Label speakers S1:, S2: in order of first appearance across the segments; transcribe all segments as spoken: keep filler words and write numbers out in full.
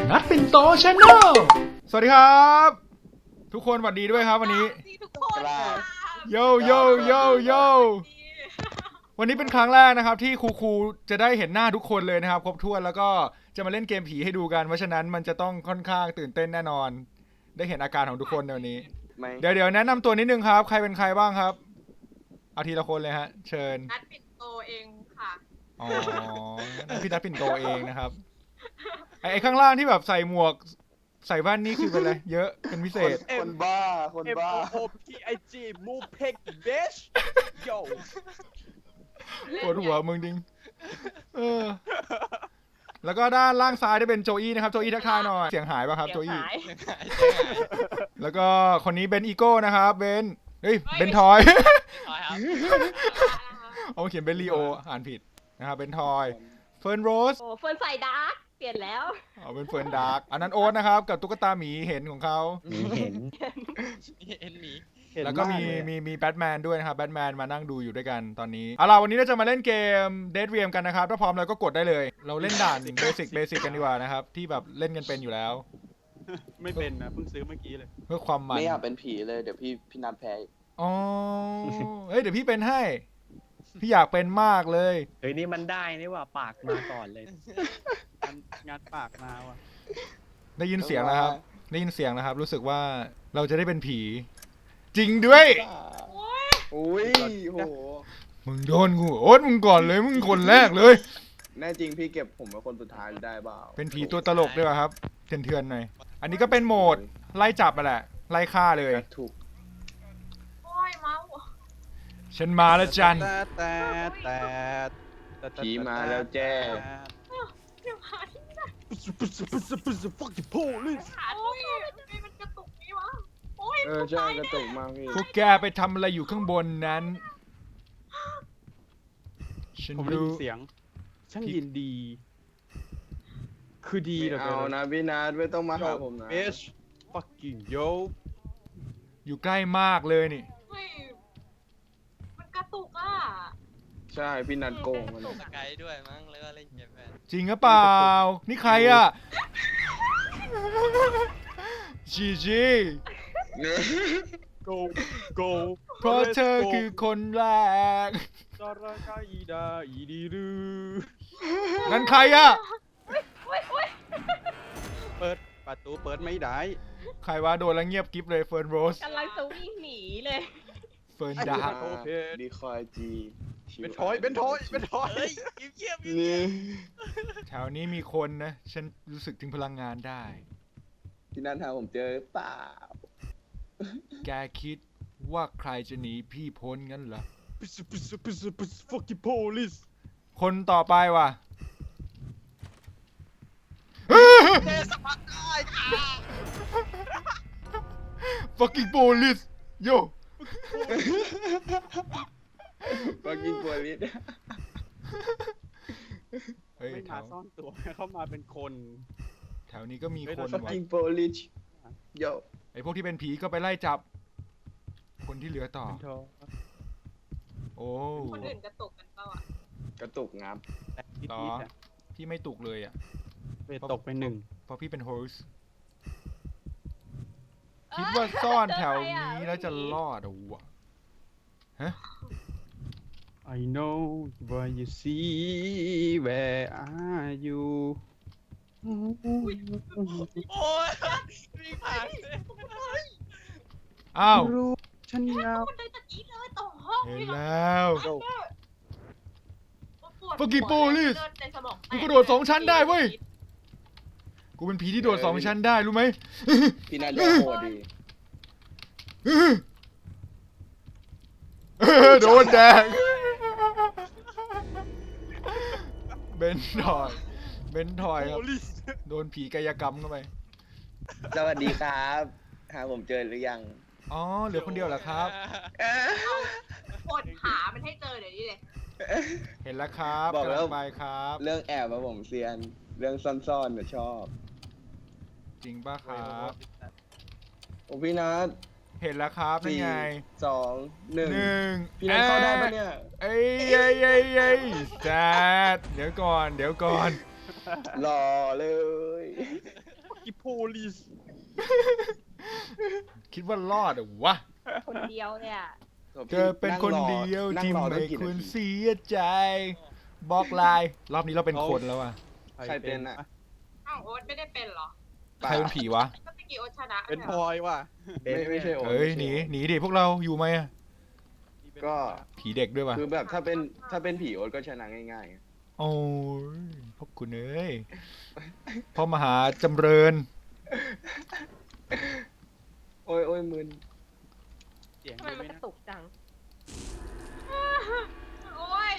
S1: นัดปิ่นโตชาแนลสวัสดีครับทุกคนสวัสดีด้วยครับวันนี้
S2: ทุกคน
S1: โยโยโยโยวันนี้เป็นครั้งแรกนะครับที่ครูครูจะได้เห็นหน้าทุกคนเลยนะครับครบถ้วนแล้วก็จะมาเล่นเกมผีให้ดูกันเพราะฉะนั้นมันจะต้องค่อนข้างตื่นเต้นแน่นอนได้เห็นอาการของทุกคนในวันนี้เดี๋ยวเดี๋ยวแนะนำตัวนิดนึงครับใครเป็นใครบ้างครับเอาทีละคนเลยฮะเชิญ
S2: นัดปิ่นโตเองค่ะ
S1: อ๋อพี่นัดปิ่นโตเองนะครับไอ้ข้างล่างที่แบบใส่หมวกใส่แว่นนี่คือเป็นอะไรเยอะเป็นพิเศษ
S3: คนบ้าคนบ้า
S4: M O O P I G มูเพกเบชโย
S1: ปวดหัวมึงดิงเออแล้วก็ด้านล่างซ้ายได้เป็นโจอี้นะครับโจอี้ทักทายหน่อยเสียงหายป่ะครับโจอี้แล้วก็คนนี้เบนอีโก้นะครับเบนเฮ้ยเบนทอยเอาเขียนเบนลีโออ่านผิดนะครับเบนทอยเฟิร์นโรส
S2: โอ้เฟิร์นใส่ดาร์กเปลี่ยนแล้ว
S1: อ๋อเป็นเฟิร์นดาร์กอันนั้นโอ๊ตนะครับกับตุ๊กตาหมีเห็นของเขา
S3: เห็น
S4: เห็นหมี
S1: แล้วก็มีมีมีแบทแมนด้วยนะครับแบทแมนมานั่งดูอยู่ด้วยกันตอนนี้เอาล่ะวันนี้เราจะมาเล่นเกม Dead Realm กันนะครับถ้าพร้อมแล้วก็กดได้เลยเราเล่นด่านเบสิกเบสิกกันดีกว่านะครับที่แบบเล่นกันเป็นอยู่แล้ว
S4: ไม่เป็นนะเพิ่งซื้อเมื่อกี้เลย
S1: เพื่อความมัน
S3: ไม่อยากเป็นผีเลยเดี๋ยวพี่พี่นัดแพ้
S1: อ๋อเฮ้ยเดี๋ยวพี่เป็นให้พี่อยากเป็นมากเลย
S5: เฮ้ยนี่มันได้นี่ว่าปากมาก่อนเลย
S4: งานปากมาว่ะ
S1: ได้ยินเสียงแล้วครับได้ยินเสียงแล้วครับรู้สึกว่าเราจะได้เป็นผีจริงด้วย
S3: โอ้ยโห
S1: มึงโดนกูโอ๊ตมึงก่อนเลยมึงคนแรกเลย
S3: แน่จริงพี่เก็บผมเป็นคนสุดท้ายได้เปล่า
S1: เป็นผีตัวตลกด้วยครับเถื่อนๆหน่อยอันนี้ก็เป็นโหมดไล่จับมาแหละไล่ฆ่าเลย
S3: ถูก
S2: โอ้ยเมา
S1: ฉันมาแล้วจัน
S4: แต่แต่แต่
S3: ผีมาแล้วแจ้
S2: เดี๋ยวหาที่ไหน
S4: ปุ๊บปุ๊บปุ๊บปุ๊บปุ๊บฟักจิโป้เลย
S2: โอ้ยมันกระตุกนี่วะโอ้ย
S3: เออใช่กระตุกมากพี่
S1: พวกแกไปทำอะไรอยู่ข้างบนนั้นฉัน
S4: ผมได้ยินเสียงช่างยินดีคือดีเหรอ
S3: เอานะพี่นัดไม่ต้องมาหาผมนะ
S4: Bitch fucking yo
S1: อยู่ใกล้มากเลยนี่
S2: มันกระตุกอ่ะ
S3: ใช่พี่นัดโกงมัน
S4: ไกด์ด้วยมั้งแล้วก็เล่นเกมแบบ
S1: จริงหรือเปล่านี่ใครอ่ะจีจี
S4: go go
S1: เพราะเธอคือคนแรกนั่นใครอ่ะ
S4: เปิดประตูเปิดไม่ได้
S1: ใครวะโดนแล้วเงียบกิ๊บเลยเฟิร์นโรส
S2: กำลังจะวิ่งหนีเลย
S1: เฟิร์นดาร์ก
S3: ดีคอยจี
S4: เป็นทอยเป็นทอยเป็นทอยเยี่ยมเยี่ยม
S1: แถวนี้มีคนนะฉันรู้สึกถึงพลังงานได้
S3: ที่นั่นหาผมเจอเปล่า
S1: แกคิดว่าใครจะหนีพี่พ้นงั้นเหรอคนต่อไปว่ะ
S4: เทสพัดได้ค่ะ
S1: fucking police yo
S3: fucking police
S1: เฮ้ย
S4: ไม่มาซ่อนตัวเข้ามาเป็นคน
S1: แถวนี้ก็มีคนว่ะ
S3: fucking police yo
S1: ไอพวกที่เป็นผีก็ไปไล่จับคนที่เหลือต่อโอ้
S2: คนอื่นกระตุกกันเปล่าอ่ะ
S3: กระตุกงับ
S1: ต่อพี่ไม่ตุกเลยอ่ะ
S4: ตกไปหนึ่ง
S1: เพราะพี่เป็นโฮสต์คิดว่าซ่อนแถวนี้แล้วจะรอดอ่ะวะฮะ
S4: I know what you see where are you โอ้ยมีผ่าน
S1: อ้าว
S4: ฉันเงา
S1: เห็นแล้วfucking police กูกระโดดสองชั้นได้เว้ยกูเป็นผีที่โดดสองชั้นได้รู้ไหม
S3: พี่น่าจะโหดดี
S1: โดนแดงเบนทอยเบนทอยครับโดนผีกายกรรมเข้าไป
S3: สวัสดีครับหาผมเจอหรือยัง
S1: อ๋อเหลือคนเดียวเหรอครับ
S2: กดหามันให้เจอเดี๋ยวนี้เลย
S1: เห็นแล้วครับบอกแล้วไปครับ
S3: เรื่องแอบมาผมเซียนเรื่องซ่อนๆเนี่ยชอบ
S1: จริงป่ะครับ
S3: โอ้พี่นัท
S1: เห็นแล้วครับนี่ไง
S3: สองหนึ่ง
S1: หนึ่ง
S3: พี่นัทเข้าได้ปะเนี่ย
S1: เอ้ยเอ้ยเอ้ยเอ้ยแซดเดี๋ยวก่อนเดี๋ยวก่อน
S3: หล่อเลย
S4: อีโพลิส
S1: คิดว่ารอดเหรอวะ
S2: คนเดียวเนี่ย
S1: เธอเป็นคนเดียว
S3: นั่ง
S1: ที่
S3: รอ
S1: ไม่
S3: ตั้งกี่
S1: คว
S3: นาร ที
S1: เสียใจบอกลายรอบนี้เราเป็นคนแล้วว่ะ
S3: ใครเป็นอะ
S2: อ้าวโอ๊ตไม่ได้เป็นเหรอ
S1: ใครเป็นผีวะ
S2: ก็ตะกี้โอ๊ตชนะ
S4: เป็น
S2: ย
S4: พลอยว่ะ
S3: ไม่ไม่ใช่โอ๊ต
S1: เฮ้ย
S3: ไม่
S1: หนี
S3: ใช่โอ๊ต
S1: หนีดิพวกเราอยู่ไหมอะ
S3: ก็
S1: ผีเด็กด้วยว่ะ
S3: คือแบบถ้าเป็นถ้าเป็นผีโอ๊ตก็ชนะง่ายๆ
S1: โอ้ยพวกคุณเอ้ยพ่อมหาจำเริญ
S3: โอ้ยโอ้ยมึน
S4: เสียง
S2: ทำไม
S4: ดีไห
S2: มันก
S4: นะ
S2: ระตุกจัง โอ้ย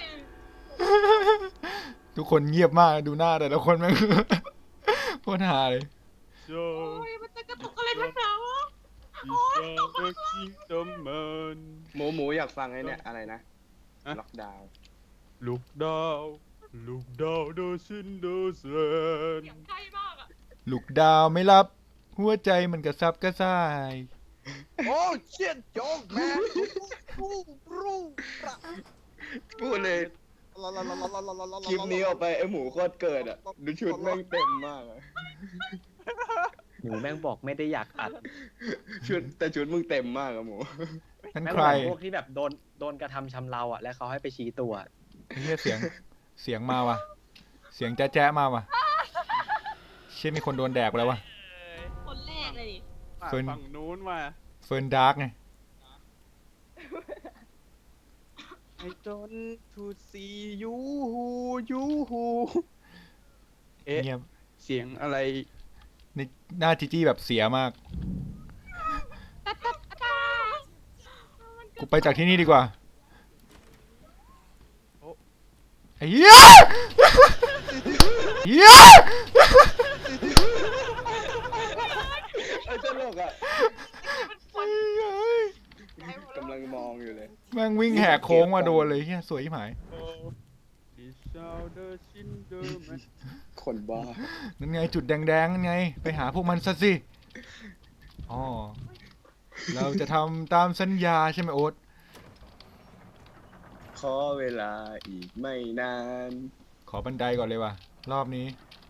S1: ทุกคนเงียบมากดูหน้าแต่ละคนแม่ง โคตรฮาเลย
S4: โช
S2: โอ้ย มันจะกระตุกอะไรนักหนาวะ
S4: ดิชาเดอะคิงดอมมัน
S3: หมูหมูอยากฟังไอ้เนี่ยอะไรนะ
S4: ฮะ
S3: ล็อกดาวน์
S4: ลูกดาวลูกดาวเดอะซินเดอร์เซน
S2: เสียงใกล้มากอะ
S1: ลูกดาวไม่รับ หัวใจมันกระซับกระส่าย
S4: โอ้เชียนโจ๊กแมนรูรูระ
S3: พูดเลยคลิปนี้ออกไปไอ้หมูโคตรเกิดอ่ะดูชุดแม่งเต็มมากอะ
S5: หนูแม่งบอกไม่ได้อยากอัด
S3: ชุดแต่ชุดมึงเต็มมากอะหมู
S1: นั่น
S5: แม่ง
S1: ใค
S5: เห
S1: ร
S5: มือนพวกที่แบบโดนโดนกระทำชำเราอ่ะแล้วเขาให้ไปชี้ตัว
S1: เฮียเสียงเสียงมาว่ะ เสียงแจ๊ะแจ๊ะมาว่ะเช่นมีคนโดนแดกไปแล้วว่ะ
S2: คนแรกเลยดิ
S1: เฟิร์น
S4: ฝั่งนู้นมา
S1: เฟิร์นดาร์กไง
S4: I don't to see you you เอ๊ะ
S1: เงียบ
S4: เสียงอะไร
S1: นี่หน้าจีจี้แบบเสียมาก กูไปจากที่นี่ดีกว่าไอ้เหี้ยเหี้ย
S3: ไอ้ตลกอ่ะ
S2: มันคน
S3: กำลังมองอยู่เลย
S1: แม่งวิ่งแหกโค้งมาโดนเลยเฮียสวยที่หมาย
S4: This sound the cinder man
S3: คนบ้า
S1: นั่นไงจุดแดงๆนั่นไง ไปหาพวกมันซะสิ อ๋อ เราจะทำตามสัญญาใช่ไหมโอ๊ต
S3: ขอเวลาอีกไม่นาน
S1: ขอบันไดก่อนเลยว่ะ รอบนี้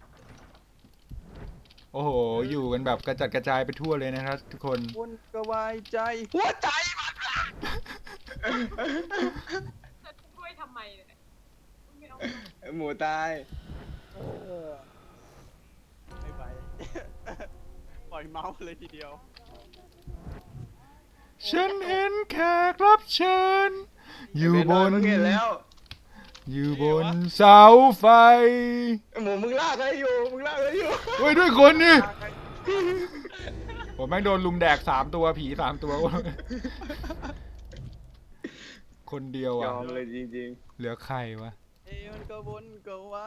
S1: โอ้โห อยู่กันแบบกระจัดกระจายไปทั่วเลยนะครับทุกคน
S4: คนก็ไว้ใจหัวใจมัน
S2: จะช่วยทำไมเนี่ยไม่เอา
S3: ไอ้หมูตาย
S4: ไม่ไป ปล่อยเมาส์เลยทีเดียว
S1: ฉันเห็นแขกรับเชิญ อยู่บน
S3: มึงเห็นแล้ว
S1: อยู่บนเสาไฟ
S3: ไอ้หมูมึงลากอะไรอยู่มึงลากอะไรอยู่
S1: เฮ้ยด้วยคนนี่ ผมแม่งโดนลุมแดกสามตัวผีสามตัว คนเดียวย อ่ะ
S3: อมเลยจริง
S1: เหลือใครวะ
S4: เอ้ยมันก็วนก็ไว้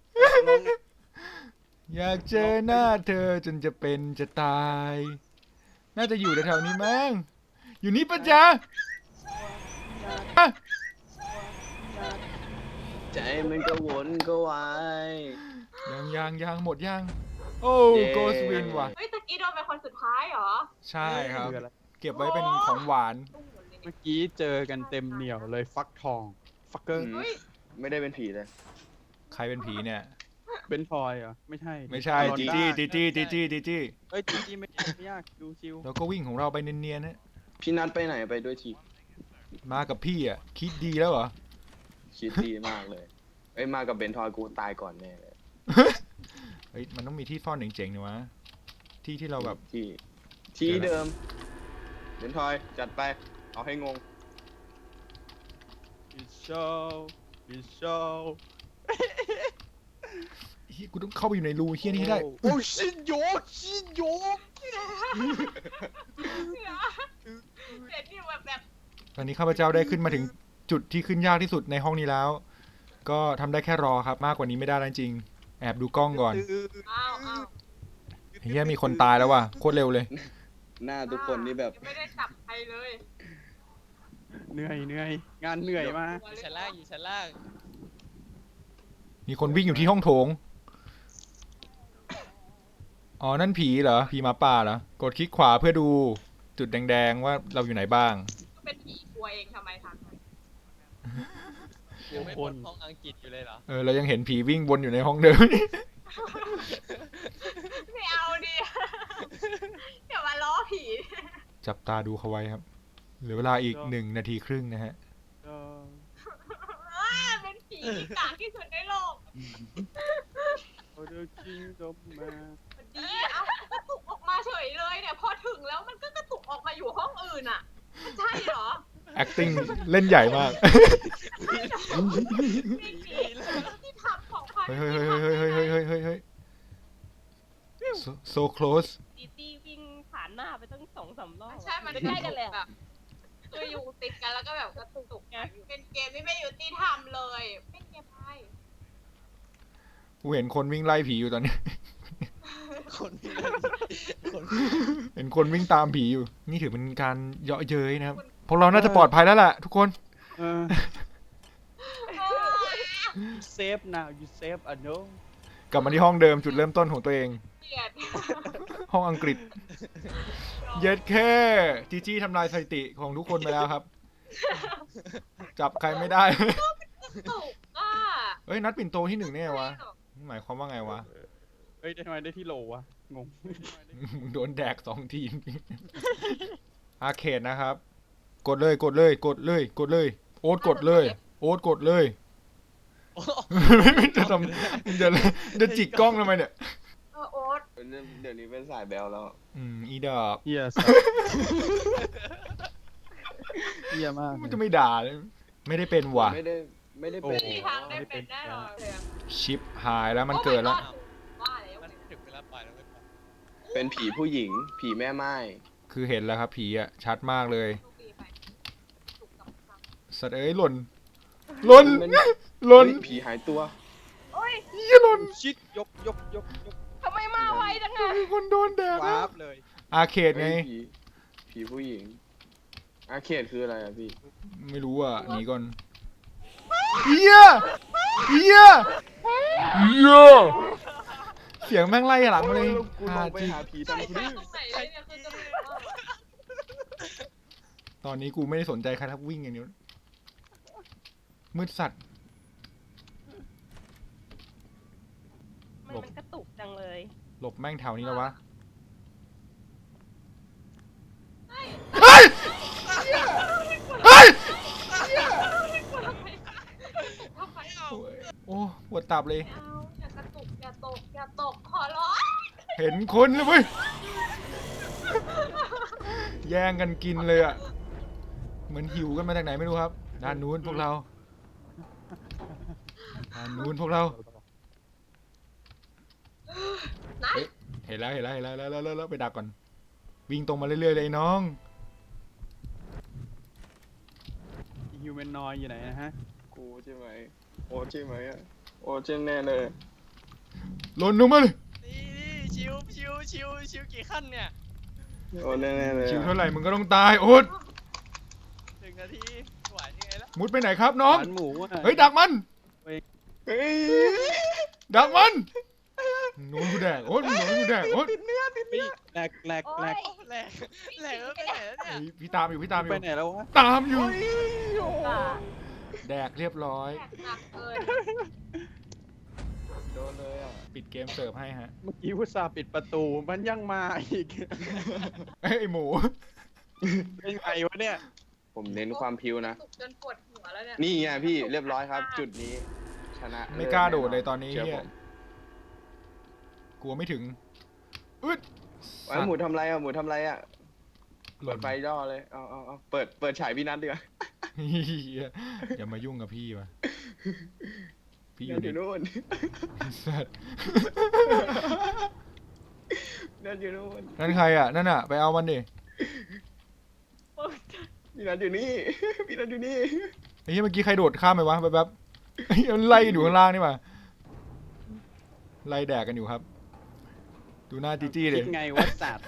S1: อยากเจอหน้าเธอจนจะเป็นจะตาย น่าจะอยู่แถวๆนี้มั้งอยู่นี่ปะจ๊ะอ่ะ
S3: ๆ ใจมันก็วนก็วาย
S1: ยังยังยังหมดยัง โอ้
S3: เย้
S1: โกสวินว่ะ
S2: เฮ้ยตะกี้โดนเป็นคนสุดท้ายเหรอ
S1: ใช่ครับ
S4: คืออะไร
S1: เก็บไว้เป็นของหวาน
S2: ตุ้งหมดเลย
S4: เมื่อกี้เจอกันเต็มเหนียวเลยฟักทอง ฟักเกอร์
S3: อืมไม่ได้เป็นผีเลย
S1: ใครเป็นผีเนี่ย
S4: เป็นพลอยเหรอ ไม่ใช่
S1: ไม่ใช่
S4: ลอน
S1: จี
S4: ด้า
S1: จี้จีจี้จีจี้จีจี้
S4: เอ้ยจีจี้ไม่ไม่ยากดูชิว
S1: เราก็วิ่งของเราไปเนียนๆนะ
S3: พี่นัทไปไหนไปด้วยที
S1: มากับพี่อ่ะ คิดดีแล้วเหรอ
S3: คิดดีมากเลย เอ้ยมากับเบนทอยกูตายก่อนแน่เลย
S1: เฮ้ยมันต้องมีที่ซ่อนเจ๋งๆนี่วะ ที่ที่เราแบบ
S3: ที่ ที่เดิม เบนทอยจัดไป เอาให้งง
S4: ดิชาวดิชาว
S1: เฮ้ยกูต้องเข้าไปอยู่ในรูเฮี้ยนี้ให้ได้
S4: โอ้ชินโยชินโย
S2: เด็ดนี่แบบแบบ
S1: ตอนนี้ข้าพเจ้าได้ขึ้นมาถึงจุดที่ขึ้นยากที่สุดในห้องนี้แล้ว ก็ทำได้แค่รอครับ มากกว่านี้ไม่ได้แล้วจริง แอบดูกล้องก่อน
S2: อ้าวอ้าว
S1: เฮียมีคนตายแล้วว่ะ โคตรเร็วเลย
S3: หน้าทุกคนนี่แบบ
S2: ยังไม่ได้จับใครเลย
S4: เหนื่อยเหนื่อยงานเหนื่อยมาก
S6: อยู่ชั้นล่างอยู่ชั้นล่าง
S1: มีคนวิ่งอยู่ที่ห้องโถง อ๋อ นั่นผีเหรอ ผีหมาป่าเหรอ กดคลิกขวาเพื่อดูจุดแดงๆว่าเราอยู่ไหนบ้าง
S2: ก็เป็นผีกลัวเองทำไมทำ
S6: ยังไม่พ้นห้องอังกฤษอยู่เลยเหรอ
S1: เออ เรายังเห็นผีวิ่งวนอยู่ในห้องเดิม
S2: ไม่เอาดิ
S1: จับตาดูเขาไว้ครับเหลือเวลาอีกหนึ่งนาทีครึ่งนะฮะ
S4: เออ
S2: อ่าเป็นผีที่กากที่สุดในโลก
S4: โอ้เดอร์คิงดอมมา
S2: มันดีเอ้ากระตุกออกมาเฉยเลยเนี่ย พอถึงแล้วมันก็กระตุกออกมาอยู่ห้องอื่นอ่ะมันใช่เหรอ
S1: acting เล่นใหญ่มาก
S2: ไม่ผีที่ทำของพัน
S1: เฮ้ยเฮ้ยเฮ้ยเฮ้ยเฮ้ยเฮ้ยเฮ้ยเฮ้ย so so close
S7: จีจี้วิ่งผ่านหน้าไปตั้งสองสามรอบ
S2: ใช่ มัน
S7: ใกล้กันเลยอะ
S2: แบบคืออยู่ติดกันแล้วก็แบบกระตุกไงเป็นเกมที่ไม่ยุติธรรมเลยเป็นเกมอะไร
S1: กูเห็นคนวิ่งไล่ผีอยู่ตอนนี้
S6: คนมีคน
S1: เห็นคนวิ่งตามผีอยู่ นี่ถือเป็นการเยาะเย้ยนะครับ พวกเราน่าจะปลอดภัยแล้วแหละทุกคน
S4: เออ save now you save a no
S1: กลับมาที่ห้องเดิมจุดเริ่มต้นของตัวเอง
S2: เกลียด
S1: ห้องอังกฤษ เย็ดแค่จีจี้ทำลายสถิติของทุกคนไปแล้วครับ จับใครไม่ได้
S2: ตุกอ่ะ
S1: เอ้ยนัดปิ่นโตที่หนึ่งแน่วะ หมายความว่าไงวะ
S4: เฮ้ยได้ทำไมได้ที่โหลวะ งง
S1: มึงโดนแดกสองทีม อาร์เคดนะครับ กดเลยกดเลย กดเลย กดเลย โอ๊ตกดเลย โอ๊ตกดเลย จะทำมึงจะมึงจะจิกกล้องทำไมเนี่ย
S2: เออโอ๊ต
S3: เดี๋ยวนี้เป็นสายแบลแล้ว
S1: อืมอีดอก
S4: เฮียสัสเฮียมาก
S1: มันจะไม่ด่าเลยไม่ได้เป็นว่ะ
S3: ไม่ได้ไม่ได้เป็น
S2: ไม่มีทางได้เป็นแน่นอนเลยอะ
S1: ชิปหายแล้วมันเกิดแล้ว
S2: ว่าแล้ว
S6: มันถึงเวลาปล่อยแล้วไม่ปล่อย
S3: เป็นผีผู้หญิง ผีแม่ไม้
S1: คือเห็นแล้วครับผีอ่ะ ชัดมากเลย
S2: โชคดีไปถูกกับกับ
S1: สัตว์เอ้ยหล่นหล่น
S3: มัน
S1: หล่น
S3: เฮ้ยผีหายตัว
S7: โอ้ย
S1: ยี่หล่น
S4: ชิดยกยกยกยก
S7: ทำไมมาไวจังอะ
S1: มีคนโดนแดก
S4: วา
S1: แล้ว
S4: ร์ปเลย
S1: อาร์เคดไง
S3: เฮ้ยผีผีผู้หญิง อาเขตคืออะไรอะพี่
S1: ไม่รู้อ่ะหนีก่อนเฮียเฮียเฮียเสียงแม่งไล่หลังมาเลย
S3: กูล
S1: หาง
S3: ไป
S1: จริง
S3: หาผี
S2: ใช่
S3: ทำ
S2: ใช่
S3: พื้น
S2: ตรงไหนเลยเนี่ยคือจะรู้ว่า
S1: ตอนนี้กูไม่ได้สนใจใครทักวิ่งอย่างเดียวมืดสัตว์
S7: มันมันกระตุกจังเลย
S1: หลบแม่งแถวนี้แล้ววะเฮ้ยเฮ้ย
S2: ทำไมเอา
S1: โอ้ปวดตับเลย
S2: เอาอย่ากระตุกอย่าตกอย่าตกขอร้อง
S1: เห็นคนเลยเว้ยแย่งกันกินเลยอ่ะเหมือนหิวกันมาจากไหนไม่รู้ครับด้านนู้นพวกเราด้านนู้นพวกเรา
S2: ไหน
S1: เห็นแล้วเห็นแล้วเห็นแล้วแล้วแล้วแล้วแล้วไปดักก่อน วิ่งตรงมาเรื่อยๆเลยน้อง
S4: ฮิวแมนนอยอยู่ไหนนะฮะ
S3: กูใช่ไหมโอ้ใช่ไหมอะโอ้ใช่แน่เลย
S1: หล่นลงมาเลย
S6: นี่นี่ชิวชิวชิวชิวกี่ขั้นเนี่ย
S3: โอ้แน่ๆเลย
S1: ชิว
S3: อะ
S1: เท่าไหร่มึงก็ต้องตายโอ๊ต
S6: หนึ่งนาทีไหวยังไงล่ะ
S1: มุดไปไหนครับน้อง
S4: ร้านหมูอะ
S1: เฮ้ยดักมัน
S3: เฮ้ย
S1: ดักมันโน้นกูแดกโอ๊ตโน้นกูแดกโอ๊ต
S3: ติดเนื้อติด
S4: เฮ้ยแหลกแหลกแหลก
S6: โอ้แหลกแหลกแล้วไปไหนแล้วเนี่ย
S1: เฮ้ยพี่ตามอยู่พี่ตามอ
S4: ไป
S1: ยู่
S4: ไหนแล้ววะ
S1: ตามอยู่
S7: อ่า
S1: แดกเรียบร้อย
S2: แตกหนักเกิน
S3: โดนเลยอ่ะ
S1: ปิดเกมเสิร์ฟให้ฮะ
S4: เมื่อกี้วุตสาห์ปิดประตูมันยังมาอีก
S1: เอ้ยไอหมู
S4: เป็นไงวะเนี่ย
S3: ผมเน้นความพิวนะ
S2: ตุกจนปวดหัวแล้วเนี่ย
S3: นี่ไงพี่เรียบร้อยครับ จุดนี้ ชนะ
S1: ไม่กล้าโดดเลยตอนนี้
S3: เชื่อ
S1: เฮี
S3: ผ
S1: ย
S3: ม
S1: กลัวไม่ถึงอึด
S3: ไอ้หมูทำไรอ่ะหมูทำไรอ่ะ
S1: ห
S3: เปิ
S1: ล่
S3: ด
S1: น
S3: ไฟย่อเลยเอาเอาเอาเปิดเปิดฉายพี่นัทดีกว่า
S1: เหี้ยอย่ามายุ่งกับพี่วะพี่อ
S3: นั
S1: ยู่
S3: ทอ
S1: ใน
S3: ยู่นู่น
S1: สัตว์
S3: นัทอยู่นู่น
S1: นั่นใครอ่ะนั่นอ่ะไปเอามันดิ
S3: พี่นัทอยู่นี่ พี่นัทอยู่นี่
S1: ไอ้เหี้ยเมื่อกี้ใครโดดข้ามไปวะแป๊บๆไอ้เหี้ยมันไล่กันอยู่ข้างล่างนี่มาไล่แดกกันอยู่ครับ ดูหน้าจีจี้เล
S4: คิ
S1: ย
S4: ดไงวัดสัตว์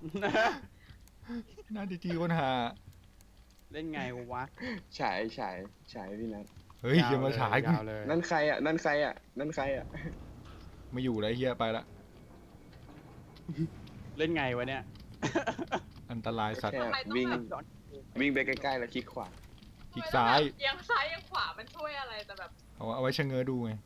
S1: หน้าจีจี้คนหา
S4: เล่นไงวะ
S3: ฉายฉายฉายพี่นัท
S1: เฮ้ยอย่ามาฉายกู
S4: วเลย
S3: นั่นใครอ่ะนั่นใครอ่ะนั่นใครอ่ะ
S1: ไม่อยู่แล้วไอ้เฮียไปละ
S4: เล่นไงวะเนี่ย
S1: อันตรายสัตว์
S3: แค่วิ่งวิ่งไปใกล้ๆแล้วคลิกขวา
S1: คลิกซ้าย
S2: เอียังซ้ายเอียังขวามันช่วยอะไรแต่แบบ
S1: เอาเอาไว้ชะเง้อดูไง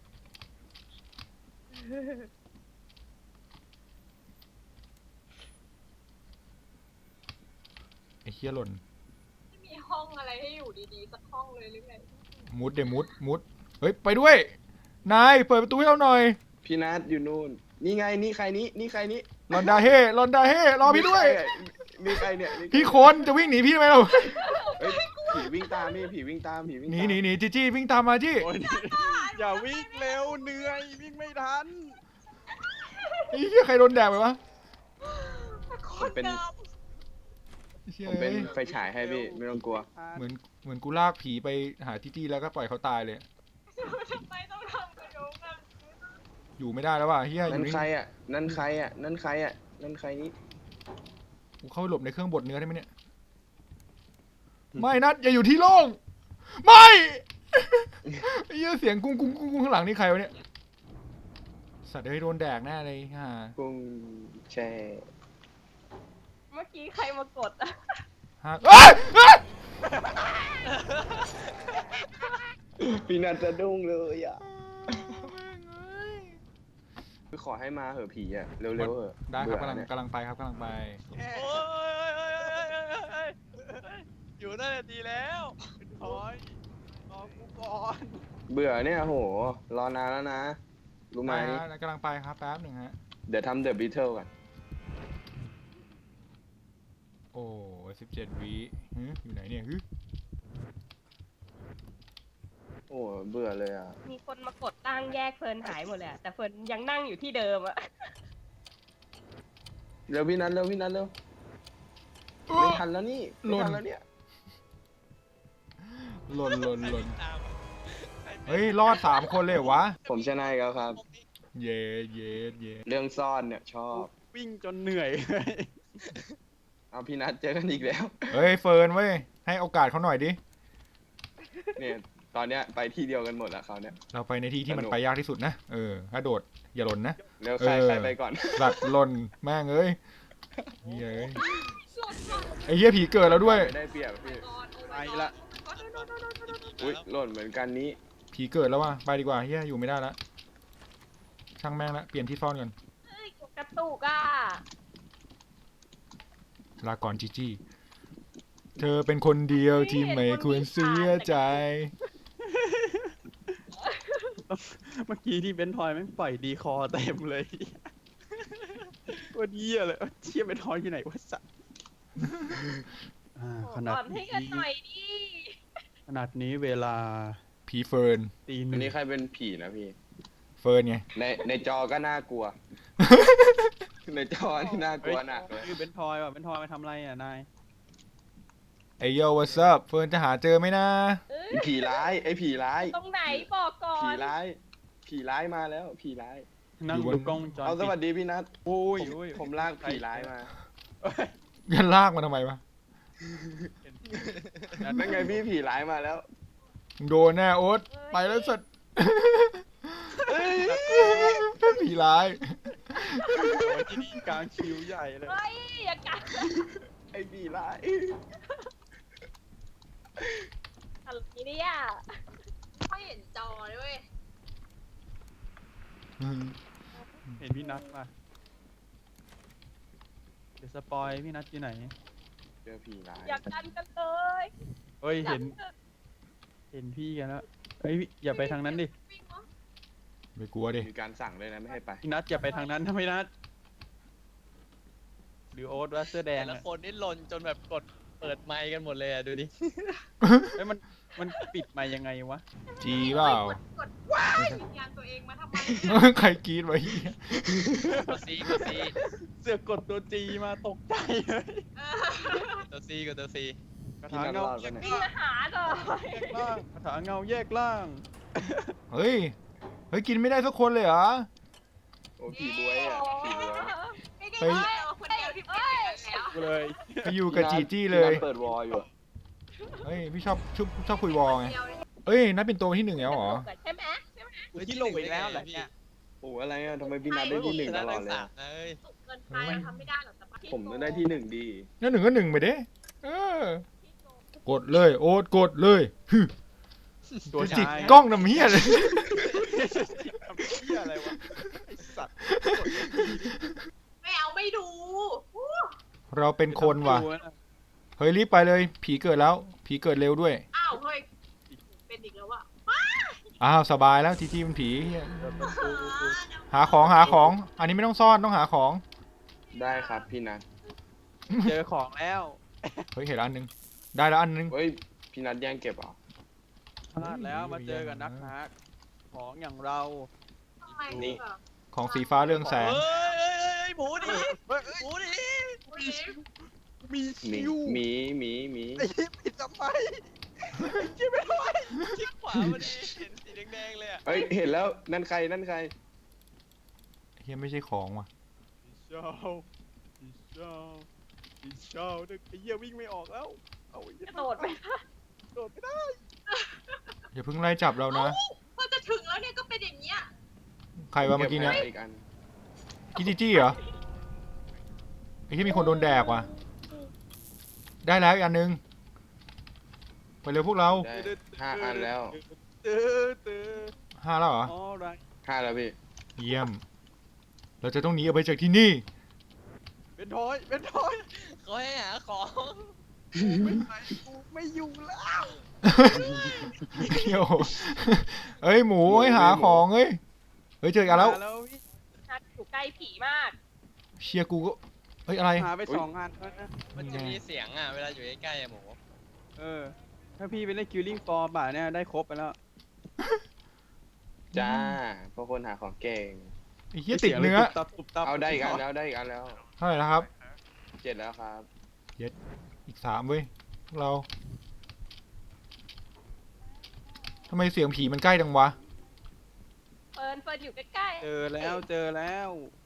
S1: เฮียหล่น
S2: ไม่มีห้องอะไรให้อยู่ดีๆสักห้องเลยหรือไง
S1: มุดเดมุดมุดเฮ้ยไปด้วยนายเปิดประตูให้เราหน่อย
S3: พี่นัทอยู่นู่น นี่ไงนี่ใครนี้นี่ใครนี้
S1: ลอนดาเฮ่ลอนดาเฮ่รอพี่ด้วย
S3: มีใครเนี่ยมีใครเนี่ย
S1: พี่คนจะวิ่งหนีพี่ทำไมเรา
S3: เอ้ยผีวิ่งตามพี่ผีวิ่งตามผีวิ่ง
S1: ห
S3: ตาม
S1: นีหนีหนีจีจี้วิ่งตามมาจี้
S4: โอ้ยอย่าวิ่งเร็วเหนื่อยวิ่งไม่ทัน
S1: ไอ้เหี้ยใครโดนแดกไปวะ
S3: ผมเป็น
S1: เหี้ย
S3: ผมเป็นไฟฉายให้พี่ไม่ต้องกลัว
S1: เหมือนเหมือนกูลากผีไปหาจีจี้แล้วก็ปล่อยเขาตายเลย
S2: ทำไมต้องทำกับโยมกัน
S1: อยู่ไม่ได้แล้วว่ะเฮียอ
S3: นั่
S1: ยู่
S3: น
S1: นี่
S3: ใครอ่ะนั่นใครอ่ะนั่นใครอ่ะนั่นใครนี้
S1: กูเข้าไปหลบในเครื่องบดเนื้อได้ไหมเนี่ยไม่นัดอย่าอยู่ที่โล่งไม่ไอ้เหี้ยเสียงกุ้งกุ้งกุ้งกุ้งข้างหลังนี่ใครวะเนี่ยสัตว์เอ้ยโดนแดกแน่เลยฮ่า
S3: กุ้งแช่
S7: เมื่อกี้ใครมากดอะ
S1: ฮ่าเอ้ยเอ้ย
S3: พี่นัทจะดุ้งเลยอ่ะคือขอให้มาเหอะผีอ่ะเร็วๆเหอะ
S1: ได้ครับกำลัง
S3: เบื่อเนี่ย
S1: กำลังไปครับกำลังไป
S6: โอ้ยอยู่นั่นแหละดีแล้วถอยรอกูก่อน
S3: เบื่อเนี่ยโหรอนานแล้วนะรู้ไหม
S1: ไปฮะกำลังไปครับแป๊บหนึ่งฮะ
S3: เดี๋ยวทำเดอะบิทเทิลก่อน
S1: โอ้สิบเจ็ดวิฮึอยู่ไหนเนี่ยฮึ
S3: โอ้เบื่อเลยอ่ะ
S7: มีคนมากดตั้งแยกเฟิร์นหายหมดเลยอะแต่เฟิร์นยังนั่งอยู่ที่เดิมอะ
S3: เร็วพี่นัทเร็วพี่นัทเร็วไม่ทันแล้วนี่ไม่ทันแล้วเนี่ย
S1: หล่นหล่นหล่น
S6: ตาม
S1: เฮ้ยรอดสามคนเลยเหรอวะ
S3: ผมชนะอีกแล้วครับ
S1: เย็ดเย็ดเย็ด
S3: เรื่องซ่อนเนี่ยชอบ
S4: วิ่งจนเหนื่อย
S3: เอาพี่นัทเจอกันอีกแล้ว
S1: เฮ้ยเฟิร์นเว้ยให้โอกาสเขาหน่อยดิ
S3: เนี่ยตอนเนี้ยไปที่เดียวกันหมดแล้วเขาวเนี่ย
S1: เราไปในที่ที่มัน
S3: สนุก
S1: ไปยากที่สุดนะเออถ้าโดดอย่าหล่นนะ
S3: เร็วใคร
S1: เออ
S3: ใครไปก่อน
S1: สัตว์หล่นแม่งเอ้ยเหี้ยเอ้ยไอ้เหี้ยผีเกิดแล้วด้วย
S3: ได้เปรียบพี่
S4: ไปละ
S3: อุ้ยหล่นเหมือนกันนี้
S1: ผีเกิดแล้วว่ะไปดีกว่าเหี้ยอยู่ไม่ได้ละช่างแม่งละเปลี่ยนที่ซ่อนก่อน
S7: เฮ้ยกระตุกอะ
S1: ลาก่อนจีจี้เธอเป็นคนเดียวที่ไม่ควรเสียใจ
S4: เมื่อกี้ที่เบนทอยแม่งปล่อยดีคอเต็มเลยว่าเยี่ยเลยเชี่ยเบนทอยอยู่ไหนวะสัสอ่าขนาด
S7: ก่อนให้กัน
S4: นี้
S7: หน่อยดิ
S4: ขนาดนี้เวลา
S1: ผีเฟิร์น
S4: ตีห
S3: อัน
S4: นึ่ง
S3: นี้ใครเป็นผีนะพี่
S1: เฟิร์นไง
S3: ในในจอก็น่ากลัว ในจอนี่น่ากลัวหนักเลย
S4: คือเบนทอยว่ะเบนทอยมาทำอะไรอ่ะนาย
S1: ไอโย what's up เฟิร์นจะหาเจอไหมนะ
S7: เอ้ย
S3: ไอ้ผีร้ายไอ้ผีร้าย
S7: ตรงไหนบอกก่อ
S3: ผี
S7: น
S3: ร้าย ผีร้ายมาแล้ว ผีร้าย
S4: นั่งดูกล้องวงจร
S3: เอาส
S4: ปิด
S3: วัสดีพี่นัท
S4: โอ้ย
S3: ผม
S4: โอ้ย
S3: ผมลากผีร้ายมา
S4: เอ้ย
S1: ยันลากมาทำไมวะ
S3: นั่นไงพี่ผีร้ายมาแล้ว
S1: โดนแน่โอ๊ตไปแล้วสัตว์ผีร้าย
S4: โอ้ยที่นี่กลางคิวใหญ่เลย
S7: เฮ้ยอย่ากัด
S3: ไอ้ผีร้าย
S7: อะไรเนี่ย
S2: ไม่เห็นจอเลยเว้ย
S4: เห็นพี่นัทมาเดี๋ยวสปอยพี่นัทอยู่ไหน
S3: เจอผีร้าย
S7: อย่ากันกันเลย
S4: เฮ้ย
S7: อย่า
S4: เห็นเห็นพี่กันแล้วเฮ้ยอย่าไปทางนั้นดิ
S2: วิ่งวะ
S1: ไม่กลัวดิ
S3: มีการสั่งเลยนะไม่ให้ไป
S4: พี่นัทอย่าไปทางนั้นนะพี่นัทหรือโอ๊ตว่าเสื้อแด
S6: แต่
S4: ง
S6: ละ
S4: อะ
S6: คนนี่หล่นจนแบบกดเปิดไมค์กันหมดเลยอ่ะดูดิ
S4: เฮ้ยมันมันปิดมายังไงวะ
S1: จีเปล่า
S2: กดกดว้ายวิญญาณตัวเองมาทำไม
S1: ใครกรีดไว้เหี้ย
S6: ตัวซีกดซี
S4: เสือกกดตัวจีมาตกใจเลย
S2: เออ
S6: ตัวซีกดตัวซี
S4: กระ
S3: พี่
S4: ถาง
S3: นัท
S4: เงาร
S3: อดปะเนี่ย
S7: วิ่งมาหาหน่อย
S4: แยกล่างกระถางเงาแยกล่าง
S1: เฮ้ย เฮ้ย กินไม่ได้สักคนเลยเหรอ
S3: โอ้ผีบวยอ่ะผีบวย
S2: ไม่ได้
S1: เฮ้ย
S2: เอาคนเดียวที่เป็นอย่างนั้นแล้ว
S4: กูเลย
S1: ไปอยู่กับจีจี้เลย
S3: พี่นัทเปิดวอลอยู่อะ
S1: เฮ้ย พี่ชอบชอบชอบคุยวอลไง
S2: เดียวเลย
S1: เอ้ย นัดเป็นตัวที่หนึ่งแล้วเหรอ
S7: ใช่ไหม
S4: ที่ลงไปแล้วแหละเนี่ย
S3: โอ้อะไรอ่ะทำไมพี่นัทได้ที่หนึ่งตลอดเลย
S6: สา
S3: อะ
S6: มนะเอ้ย
S2: สุกเกินไปเราทำไม่ได้หรอกแต่
S3: ผมต้องได้ที่หนึ่งดี
S1: งั้นหนึ่งก็หนึ่งไปเด้เออ กดเลย โอ๊ตกดเลยฮึ
S4: ตัว
S1: จิก
S4: ชาย
S1: กล้องน้ำเฮียเลย
S4: ทำเหี้ยอะไรวะไอสัตว์
S2: ไม่เอาไม่ดู
S1: เราเป็นคนว่ะ
S4: ดูน
S1: เฮ้ยรีบไปเลย ผีเกิดแล้ว ผีเกิดเร็วด้วย
S2: อ้าวเฮ้ยเป็นอีกแล้วอะ
S1: อ้าวสบายแล้วจีจีมันผีเหี้ยหาของหาของ อันนี้ไม่ต้องซ่อนต้องหาของ
S3: ได้ครับพี่นัท
S6: เจอของแล้ว
S1: เฮ้ยเห็นอันนึง ได้แล้วอันนึง
S3: เฮ้ยพี่นัทแย่งเก็บเหรอ
S6: พลาดแล้วมาเจอกับนักหาของอย่างเรา
S2: ทำไม
S3: นี่
S2: แบบ
S1: ของสีฟ้าเรื่องแสง
S6: เฮ้ยเฮ้ยเฮ้ยหมูดิหมูดิ
S2: อุ๊ย
S6: มี
S3: หมี
S6: ชิว
S3: หมีหมีหมี
S6: ไอ้ที่ปิดทำไมไอ้ที่ไม่ทำไมคลิกขวาพอดีเห็นสีแดงๆเลยอ่ะ
S3: เฮ้ยเห็นแล้วนั่นใครนั่นใคร
S1: เฮียไม่ใช่ของว่ะ
S6: เช้าอีเช้าอีเช้าเด็กไอ้เหี้ยวิ่งไม่ออกแล้วเอาไอ้เหี้ย
S7: กระโดดไป
S6: โดดไม่ได้
S1: อย่าเพิ่งไล่จับเรานะ
S2: พอจะถึงแล้วเนี่ยก็เป็นอย่างเงี้ย
S1: ใครวะเมื่อกี้เนี่ย
S3: ก็บไว้อีกอัน
S1: กิจิจี้เหรอไอ้ที่มีคนโดนแดกว่ะ ได้แล้วอีกอันนึง ไปเร็วพวกเรา
S3: ได้ห้าอันแล้ว
S6: ตื้อตื้อ
S1: ห้าแล้วเหรอ
S6: อ๋อไร
S3: ห้าแล้วพี่
S1: เยี่ยม เราจะต้องหนีออกไปจากที่นี่
S6: เป็นทอยเป็นทอยเขาให้หาของไม่ไปกูไม่อยู่แล้ว
S1: เดี๋ยวเฮ้ยหมูให้หาของเฮ้ย เฮ้ยเจออกกันแล้ว
S6: หาแล้วพี่
S7: นัดอยู่ใกล้ผีมาก
S1: เชียร์กูก็ เฮ้ยอะไร
S6: หาไปสองอันแล้วนะ
S8: มันจะมีเสียงอ่ะ เวลาอยู่ใกล้ๆอะหมู
S6: เออ ถ้าพี่ไปเล่นคิวลิ่งฟอร์ป่ะเนี่ยได้ครบไปแล้ว
S3: จ้าเพราะคนหาของเก่ง
S1: ไอ้เหี้ยติดเนื้อ
S6: ตุบตับตุบตับ
S3: เอาได้อีกอันแล้วได้อีกอันแล้ว
S1: เท่าไหร่แล้วครับ
S3: เจ็ดแล้วครับ
S1: อีกสามเว้ยพวกเราทำไมเสียงผีมันใกล้จังวะ
S7: เฟิร์นเฟิร์นอยู่ใกล้ๆ
S6: เจอแล้วเจอแล้ว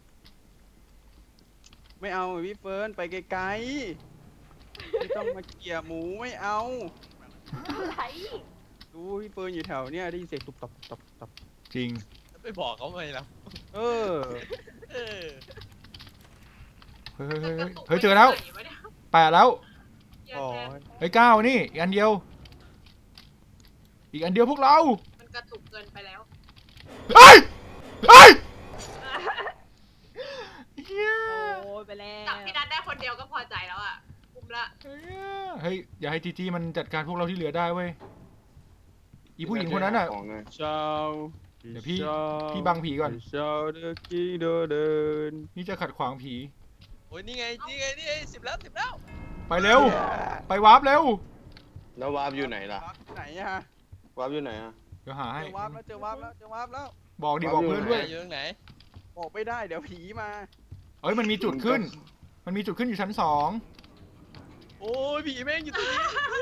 S6: ไม่เอาพี่เฟิร์นไปไกลๆไม่ต้องมาเกี่ยหมูไม่เอา
S7: อะไร
S6: ดูพี่เฟิร์นอยู่แถวเนี้ยได้ยินเสียงตุบตับตุบตับตุบตับ
S1: จริง
S8: ไปบอกเขาไหมล่ะ
S6: เออ
S8: เออ
S1: เฮ้ยเฮ้ย
S2: จะ
S1: เฮ้ย
S2: กระตุก
S1: เฮ้ยเจอแล้ว
S2: ไปไหนวะเนี่ย
S1: แปดแล้ว
S2: แย่
S6: อ๋อ
S2: แท้
S1: เฮ้ยเก้านี่อีกอันเดียว อีกอันเดียวพวกเรา
S2: มันกระตุกเกินไปแล้ว
S1: เฮ้ยเฮ้ยเฮีย
S7: โอ้ยไปแล้ว
S2: จับพี่นัทได้คนเดียวก็พอใจแล้วอ่ะคุ้มละ
S1: เฮ้ยอย่าให้จีจีมันจัดการพวกเราที่เหลือได้เว้ย อีผู้หญิงคนนั้นอ่ะ
S3: ของหน่อย
S6: เช้า
S1: เดี๋ยวพี่พี่บังผีก่อน
S6: เช้าเดินกี่เดินเดิน
S1: นี่จะขัดขวางผี
S8: โอ้ยนี่ไง นี่ไง นี่ไงสิบแล้วสิบแล้ว
S1: ไปเร็ว ไปวาร์ปเร็ว
S3: แล้ววาร์ปอยู่ไหนล่ะ
S6: ไหนอะ
S3: วาร์ปอยู่ไหนอ่ะ
S1: เดี๋ยวหาให้
S6: เจอวาร์ปแล้วเจอวาร์ปแล้วเจอวาร์ปแล้ว
S1: บอกดิ
S3: วาร์ป
S1: บอก
S3: อยู่
S1: เพื่อน
S3: ไหน
S1: ด้วย
S8: อยู่ตรงไหน
S6: บอกไม่ได้เดี๋ยวผีมา
S1: เอ้ยมันมีจุดขึ้น มันมีจุดขึ้นอยู่ชั้นสอง
S8: โอ้ยผีแม่งอยู่ตรงนี้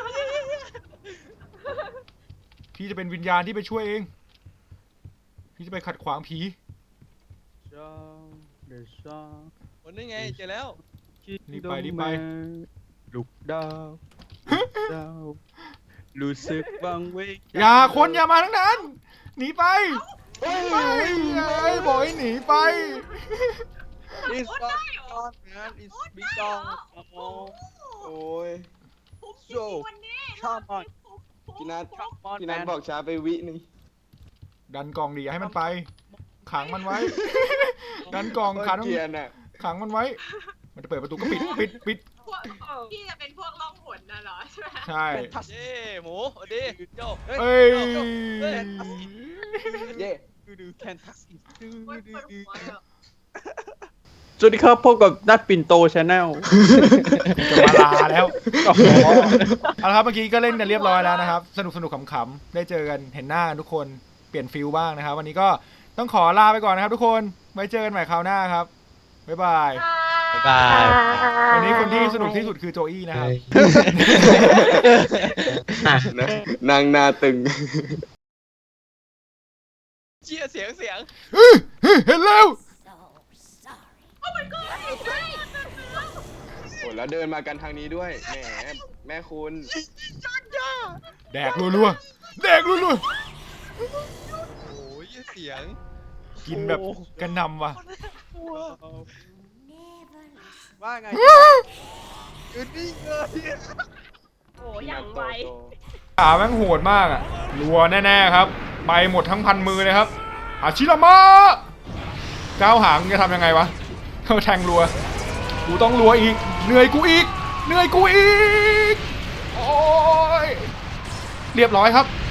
S1: พี่จะเป็นวิญญาณที่ไปช่วยเอง พี่จะไปขัดขวางผี
S6: เช้าเดี๋ยวเช้า
S8: โอ้ยนี่ไงเจอแล้ว
S1: รีบไปรีบไป
S6: ลูกดาวลูกดาวรู้สึกวังเวง
S1: อย่าคนอย่ามาทั้งนั้น หนีไปไปไอ้บอกให้หนีไป
S6: อิสตันงานอิสบิกองโอ้
S3: โอ้ย
S2: คุ้มจริงๆวันนี้
S6: ชอบมาก
S3: พี่นัท
S6: มอน
S3: พี่
S6: แม
S3: นัท
S6: น
S3: บอกช้าไปวิหนึง
S1: ดันกล่องดิอย่าให้มันไป ขังมันไว้ ดันกล่อง
S3: โคต
S1: ขั
S3: รง เกรียนอ่ะ
S1: ขังมันไว้ มันจะเปิดประตูก็ปิดปิดปิด
S2: พวกพี่จะเป็นพวกล่องหนน่ะเหรอใช่ไหม
S1: ใช่
S6: ทัส
S8: เย้หมูสวัสดีโจ
S1: เอ้ย
S3: เย่
S6: ดูดูแคนทัสดู
S2: โอ๊ย
S6: ดู
S2: ปวด
S6: ดู
S2: หัวเลยอะ
S6: สวัสดีครับพบกับนัดปิ่นโตชาแนล
S1: จะมาลาแล้วเอาละครับเมื่อกี้ก็เล่นกันเรียบร้อยแล้วนะครับ สนุกสนุกขำๆได้เจอกันเห็นหน้ากันทุกคนเปลี่ยนฟิลบ้างนะครับ วันนี้ก็ต้องขอลาไปก่อนนะครับ ทุกคนไว้เจอกันใหม่คราวหน้าครับบ๊ายบาย
S8: บ๊ายบาย
S1: วันนี้คนที่สนุกที่สุดคือโจอี้นะครับ
S3: นะนางนาตึง
S8: เชี่ยเสียงเสียง
S1: เห็นแล้ว
S3: โหแล้วเดินมากันทางนี้ด้วย แหม แม่คุณ
S1: แดกรัวๆแดกรัว
S8: โอ้ยเสียง
S1: ๆกินแบบกระหนำว่ะ
S6: ว่าไงยืนนิ่งเลย
S7: โอ้ยอย่างไว
S1: ขาแม่งโหดมากอ่ะรัวแน่ๆครับไปหมดทั้งพันมือเลยครับอาชิรามะก้าวหางจะทำยังไงวะเขาแทงรัวกูต้องรัวอีกเหนื่อยกูอีกเหนื่อยกูอีก โอ้ย เรียบร้อยครับ